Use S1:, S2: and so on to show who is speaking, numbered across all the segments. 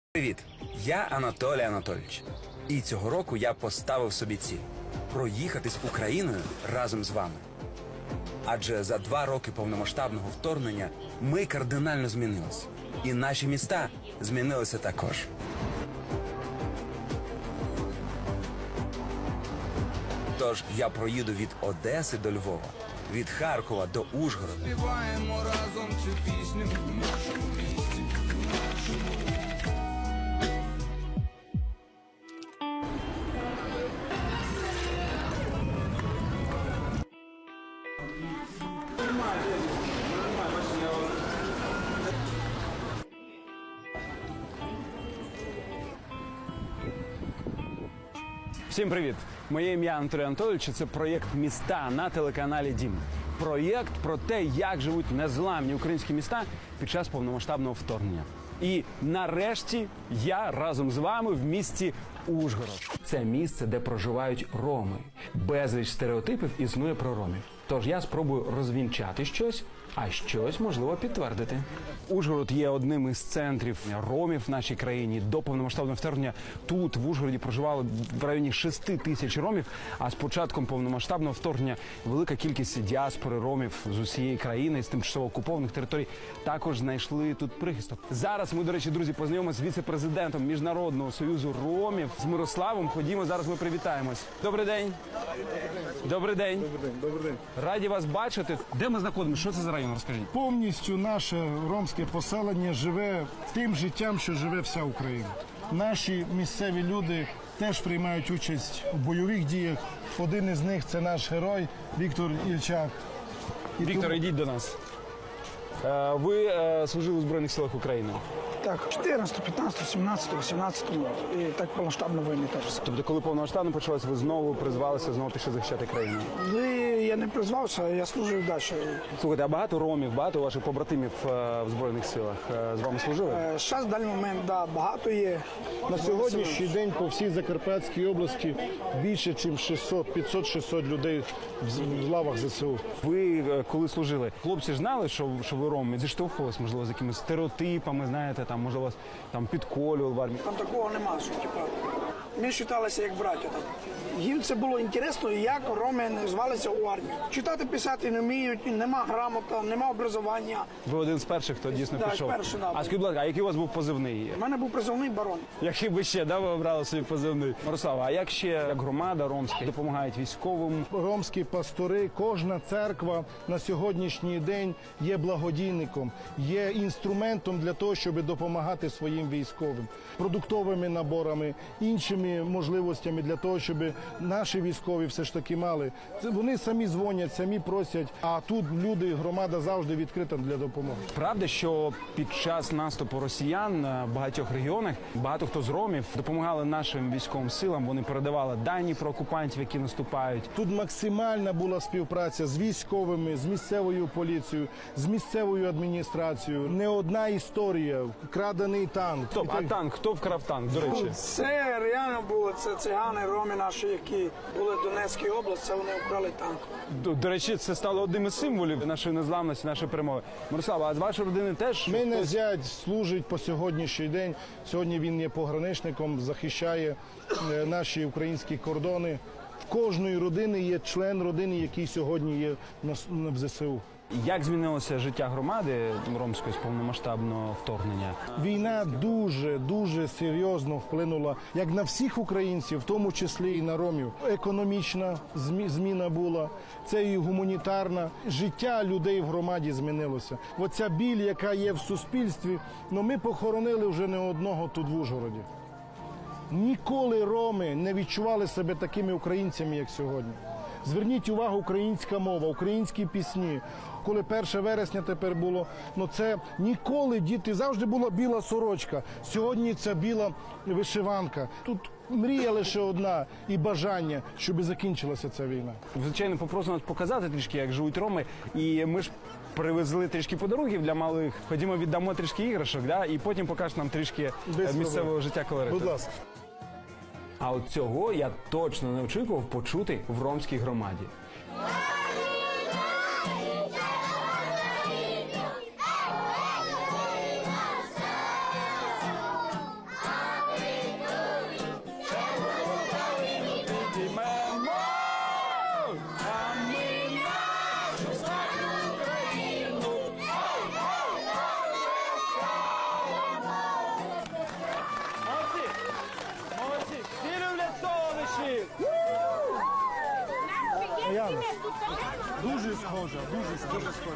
S1: Привіт, я Анатолій Анатолійович. І цього року я поставив собі ціль – проїхатись Україною разом з вами. Адже за 2 роки повномасштабного вторгнення ми кардинально змінилися. І наші міста змінилися також. Тож я проїду від Одеси до Львова, від Харкова до Ужгорода.
S2: Співаємо разом цю пісню в нашому місті, в нашому.
S3: Всім привіт! Моє ім'я Анатолій Анатолійович. Це проєкт «Міста» на телеканалі «Дім». Проєкт про те, як живуть незламні українські міста під час повномасштабного вторгнення. І нарешті я разом з вами в місті Ужгород. Це місце, де проживають роми. Безліч стереотипів існує про ромів. Тож я спробую розвінчати щось, а щось, можливо, підтвердити. Ужгород є одним із центрів ромів в нашій країні. До повномасштабного вторгнення тут, в Ужгороді, проживало в районі 6 тисяч ромів, а з початком повномасштабного вторгнення велика кількість діаспори ромів з усієї країни, з тимчасово окупованих територій, також знайшли тут прихисток. Зараз ми, до речі, друзі, познайомимося з віце-президентом Міжнародного союзу ромів, з Мирославом. Ходімо, зараз ми привітаємось. Добрий день. Добрий день.
S4: Добрий день.
S3: Раді вас бачити. Де ми знаходимося? Що це за район? Розкажіть.
S4: Повністю наше ромське поселення живе тим життям, що живе вся Україна. Наші місцеві люди теж приймають участь у бойових діях. Один із них – це наш герой Віктор Ільчак.
S3: Віктор, йдіть до нас. Ви служили у Збройних силах України.
S5: Так, 14, 15, 17, 18 і так повномасштабна війна теж.
S3: Тобто, коли повномасштабно почалось, ви знову призвалися, знову пішли захищати країну?
S5: Я не призвався, я служив далі.
S3: Слухайте, а багато ромів, багато ваших побратимів в Збройних силах з вами служили?
S5: Зараз в даний момент, да, багато є.
S4: На сьогоднішній день по всій Закарпатській області більше, ніж 500-600 людей в лавах ЗСУ.
S3: Ви, коли служили, хлопці ж знали, що ви роми? Зіштовхувалися, можливо, з якимись стереотипами, знаєте, там, може, вас там підколювали в армії?
S5: Там такого нема, що типа, ми вважалися як браття. Там. Їм це було цікаво, як роми звалися у армію. Читати, писати не вміють, нема грамота, нема образування.
S3: Ви один з перших, хто дійсно
S5: Да,
S3: пішов.
S5: перший, да.
S3: А скажіть, будь ласка, а який у вас був позивний?
S5: У мене був призовний барон.
S3: Який би ще, да, ви обрали собі позивний? Мирослава, а як ще, як громада ромська, допомагають військовим?
S4: Ромські пастори, кожна церква на сьогоднішній день є благодійником, є інструментом для того, щоб допомагати своїм військовим, продуктовими наборами, іншими можливостями для того, щоб наші військові все ж таки мали. Вони самі дзвонять, самі просять, а тут люди, громада завжди відкрита для допомоги.
S3: Правда, що під час наступу росіян в багатьох регіонах багато хто з ромів допомагали нашим військовим силам, вони передавали дані про окупантів, які наступають.
S4: Тут максимальна була співпраця з військовими, з місцевою поліцією, з місцевою адміністрацією. Не одна історія, крадений танк.
S3: Стоп, а танк? Хто вкрав танк, до речі?
S5: Це реально було, це цигани, роми наші, які були в Донецькій області, це вони вкрали танк.
S3: До речі, це стало одним із символів нашої незламності, нашої перемоги. Мирослава, а з вашої родини теж?
S4: Мене зять служить по сьогоднішній день. Сьогодні він є пограничником, захищає наші українські кордони. В кожної родини є член родини, який сьогодні є в ЗСУ.
S3: Як змінилося життя громади ромської з повномасштабного вторгнення?
S4: Війна дуже серйозно вплинула як на всіх українців, в тому числі і на ромів. Економічна зміна була, це і гуманітарна. Життя людей в громаді змінилося. Оця біль, яка є в суспільстві, ми похоронили вже не одного тут в Ужгороді. Ніколи роми не відчували себе такими українцями, як сьогодні. Зверніть увагу, українська мова, українські пісні. Коли 1 вересня тепер було, це ніколи діти, завжди була біла сорочка. Сьогодні це біла вишиванка. Тут мрія лише одна і бажання, щоб закінчилася ця війна.
S3: Звичайно, попросимо нас показати трішки, як живуть роми. І ми ж привезли трішки подарунків для малих. Ходімо, віддамо трішки іграшок, да? І потім покажеш нам трішки місцевого життя колориту.
S4: Будь ласка.
S3: А от цього я точно не очікував почути в ромській громаді.
S4: Дуже схожа, дуже схожа.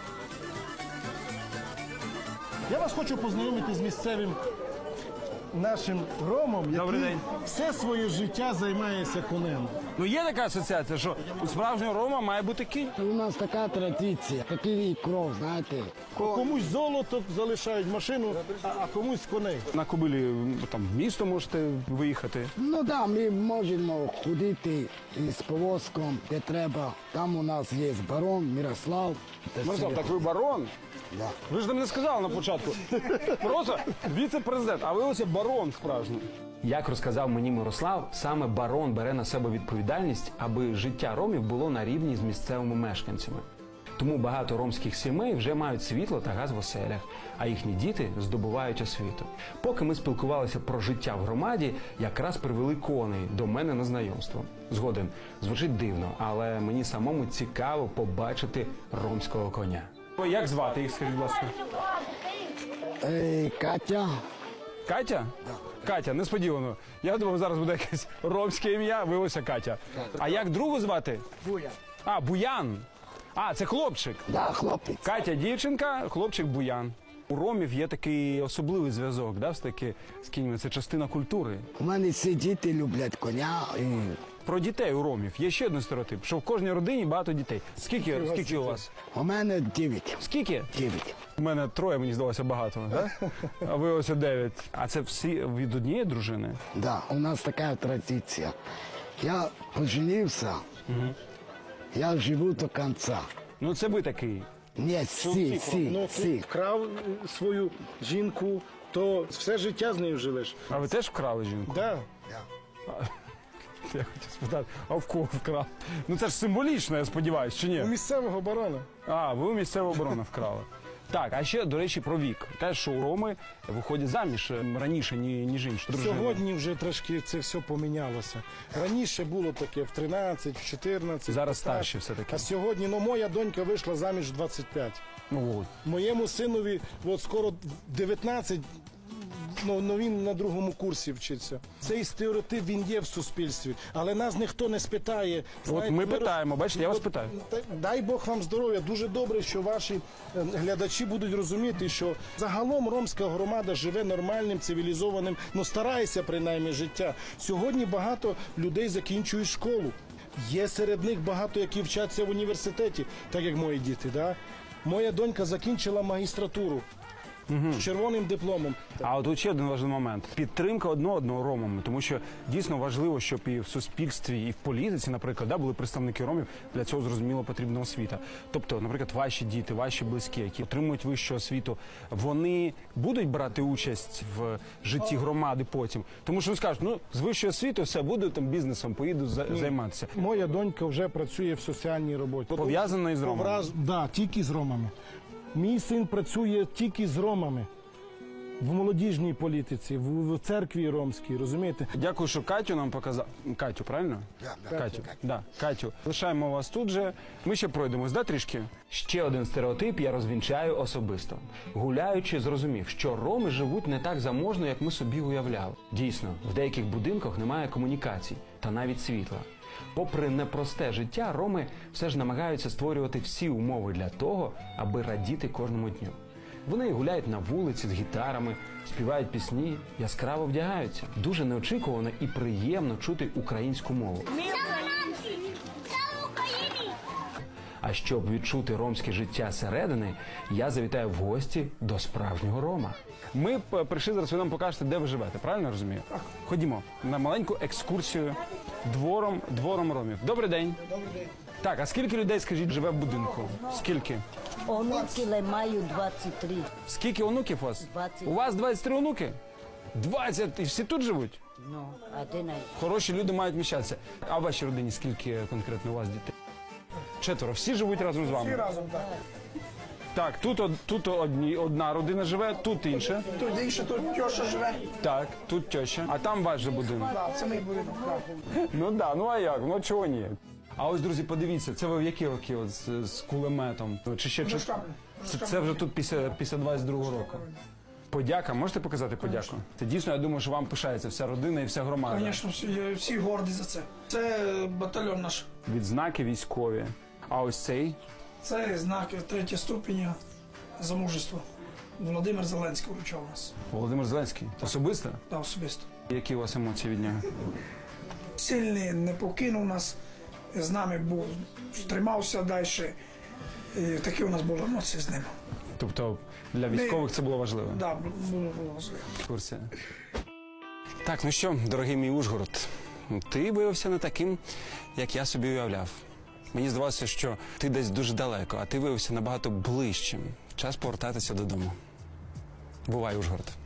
S4: Я вас хочу познайомити з місцевим нашим ромом,
S3: Добрий
S4: який
S3: день.
S4: все своє життя займається конем.
S3: Ну є така асоціація, що у справжнього рома має бути кінь.
S6: У нас така традиція, такий кров, знаєте.
S4: Комусь золото залишають машину, а комусь коней.
S3: На кобилі там в місто можете виїхати.
S6: Ну да, ми можемо ходити з повозком, де треба. Там у нас є барон Мирослав.
S3: Мирослав, так ви барон?
S6: Да.
S3: Ви ж нам не сказали на початку. Просто віце-президент, а ви ось барон справжній. Як розказав мені Мирослав, саме барон бере на себе відповідальність, аби життя ромів було на рівні з місцевими мешканцями. Тому багато ромських сімей вже мають світло та газ в оселях, а їхні діти здобувають освіту. Поки ми спілкувалися про життя в громаді, якраз привели коней до мене на знайомство. Згоден, звучить дивно, але мені самому цікаво побачити ромського коня. Як звати їх, скажіть, будь ласка?
S6: Катя,
S3: Катя? Катя, несподівано. Я думав, зараз буде якесь ромське ім'я, виявилося Катя. А як другу звати?
S6: Буян.
S3: А, Буян. А, це хлопчик.
S6: Да, хлопець.
S3: Катя дівчинка, хлопчик Буян. У ромів є такий особливий зв'язок, да, з кіньми. Це частина культури.
S6: У мене всі діти люблять коня. І...
S3: Про дітей у ромів є ще один стереотип, що в кожній родині багато дітей. Скільки у вас?
S6: У мене 9.
S3: Скільки?
S6: 9.
S3: У мене 3, мені здалося багато. Да? А ви ось 9. А це всі від однієї дружини?
S6: Да, у нас така традиція. Я поженився, я живу до кінця.
S3: Ну це ви такий.
S6: Ні, всі.
S4: Вкрав свою жінку, то все життя з нею живеш.
S3: А ви теж вкрали жінку?
S4: Да.
S3: Я хотів спитати, а в кого вкрав? Ну це ж символічно, я сподіваюся, чи
S4: У
S3: ні?
S4: місцевого барона.
S3: А, ви у місцеву оборону вкрали. Так, а ще, до речі, про вік. Те, що у роми виходять заміж раніше, ніж інші дружини.
S4: Сьогодні вже трошки це все помінялося. Раніше було таке в 13, в 14.
S3: Зараз
S4: так.
S3: старші все-таки.
S4: А сьогодні, моя донька вийшла заміж в 25.
S3: Ну, от.
S4: Моєму синові от скоро 19, ну він на другому курсі вчиться. Цей стереотип, він є в суспільстві, але нас ніхто не спитає.
S3: От ми питаємо, бачите, я вас питаю.
S4: Дай Бог вам здоров'я. Дуже добре, що ваші глядачі будуть розуміти, що загалом ромська громада живе нормальним, цивілізованим, ну старається принаймні життя. Сьогодні багато людей закінчують школу. Є серед них багато, які вчаться в університеті, так як мої діти. Да? Моя донька закінчила магістратуру з червоним дипломом.
S3: А от тут ще один важливий момент: підтримка одного ромами, тому що дійсно важливо, щоб і в суспільстві, і в політиці, наприклад, були представники ромів. Для цього зрозуміло потрібна освіта. Тобто, наприклад, ваші діти, ваші близькі, які отримують вищу освіту, вони будуть брати участь в житті громади потім, тому що скажуть, ну з вищою освітою все буду там бізнесом, поїду займатися.
S4: Моя донька вже працює в соціальній роботі.
S3: Пов'язана із ромами?
S4: Да, тільки з ромами. Мій син працює тільки з ромами. В молодіжній політиці, в церкві ромській, розумієте?
S3: Дякую, що Катю нам показав. Катю, правильно? Катю. Да, Катю. Лишаємо вас тут же. Ми ще пройдемось, да, трішки? Ще один стереотип я розвінчаю особисто. Гуляючи, зрозумів, що роми живуть не так заможно, як ми собі уявляли. Дійсно, в деяких будинках немає комунікацій та навіть світла. Попри непросте життя, роми все ж намагаються створювати всі умови для того, аби радіти кожному дню. Вони гуляють на вулиці з гітарами, співають пісні, яскраво вдягаються. Дуже неочікувано і приємно чути українську мову. А щоб відчути ромське життя зсередини, я завітаю в гості до справжнього рома. Ми прийшли зараз, ви нам покажете, де ви живете, правильно я розумію? Так. Ходімо на маленьку екскурсію двором ромів. Добрий день.
S5: Добрий день.
S3: Так, а скільки людей, скажіть, живе в будинку? Скільки?
S7: Онуки маю 23.
S3: Скільки онуків у вас?
S7: 20.
S3: У вас 23 онуки? 20? І всі тут живуть?
S7: Ну, один.
S3: Хороші люди мають міщатися. А в вашій родині скільки конкретно у вас дітей? 4. Всі живуть разом з
S5: Всі
S3: вами?
S5: разом, так.
S3: Так, тут одна родина живе, тут інша.
S5: Тут інше, тут тьоша живе.
S3: Так, тут теща. А там ваш же будинок.
S5: Так, це мій будинок. Так.
S3: Ну да, ну а як? Ну чого ні? А ось, друзі, подивіться, це ви в які роки от, з кулеметом? Чи ще
S5: Це
S3: це вже тут після 22-го року? Подяка, можете показати подяку? Це дійсно, я думаю, що вам пишається вся родина і вся громада.
S5: Звісно, всі горді за це. Це батальйон наш.
S3: Відзнаки військові. А ось цей
S5: Це знак 3 ступеня за мужество. Володимир Зеленський вручав нас.
S3: Володимир Зеленський. Особисто?
S5: Та особисто.
S3: Які у вас емоції від нього?
S5: Сильний, не покинув нас, з нами був, тримався далі. І такі у нас були емоції з ним.
S3: Тобто для військових це було важливо?
S5: Так, да, було важливо.
S3: В курсі. Так, ну що, дорогий мій Ужгород, ти виявився не таким, як я собі уявляв. Мені здавалося, що ти десь дуже далеко, а ти виявився набагато ближчим. Час повертатися додому. Бувай, Ужгород.